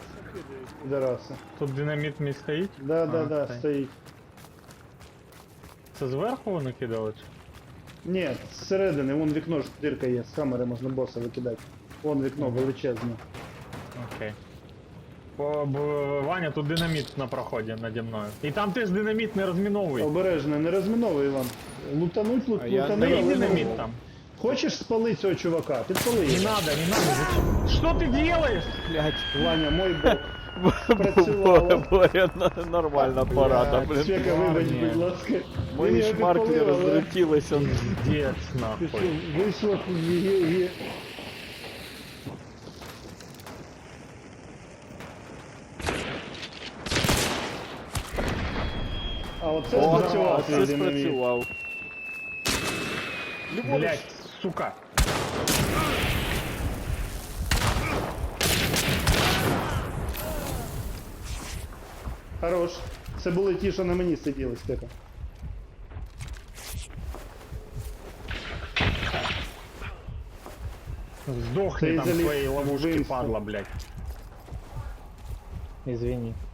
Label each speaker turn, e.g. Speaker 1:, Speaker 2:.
Speaker 1: Підараси.
Speaker 2: Тут динаміт мій стоїть?
Speaker 1: Да,
Speaker 2: А,
Speaker 1: да, стоїть.
Speaker 2: Це зверху вони кидали? Чи?
Speaker 1: Ні, зсередини, вон вікно ж дирка є, з камери можна боса викидати. Вон вікно величезне.
Speaker 2: Окей. Ваня, тут динаміт на проході наді мною. І там теж динаміт не розміновуй.
Speaker 1: Обережно, не розміновуй, Іван. Лутануть,
Speaker 3: А я
Speaker 1: лутануть.
Speaker 2: Стоїть
Speaker 1: але
Speaker 2: динаміт
Speaker 1: ну,
Speaker 2: там.
Speaker 1: Хочеш спалити цього чувака? Підпали
Speaker 2: Не
Speaker 1: його.
Speaker 2: надо, не надо. Что ты делаешь?
Speaker 3: Блять.
Speaker 1: Ваня, мой бог. Працювало.
Speaker 3: Боря, нормальна порада, блин.
Speaker 1: Свека, вибач,
Speaker 2: Ні.
Speaker 1: будь ласка.
Speaker 3: Мої
Speaker 1: Він його
Speaker 3: шмарклі
Speaker 1: підпалив, але
Speaker 3: розлетілися.
Speaker 2: Пиздец,
Speaker 1: пішов,
Speaker 2: нахуй.
Speaker 1: вийшло, є. А оце
Speaker 3: О,
Speaker 1: спрацював
Speaker 3: це
Speaker 1: твій динаміт.
Speaker 3: спрацював.
Speaker 2: Блять, сука.
Speaker 1: Хорош. Це були ті, що на мені сиділи, Степа.
Speaker 2: Сдохни
Speaker 1: Ты
Speaker 2: там
Speaker 1: залез
Speaker 2: своей ловушки,
Speaker 1: в инсту.
Speaker 2: падла, блять.
Speaker 4: Извини.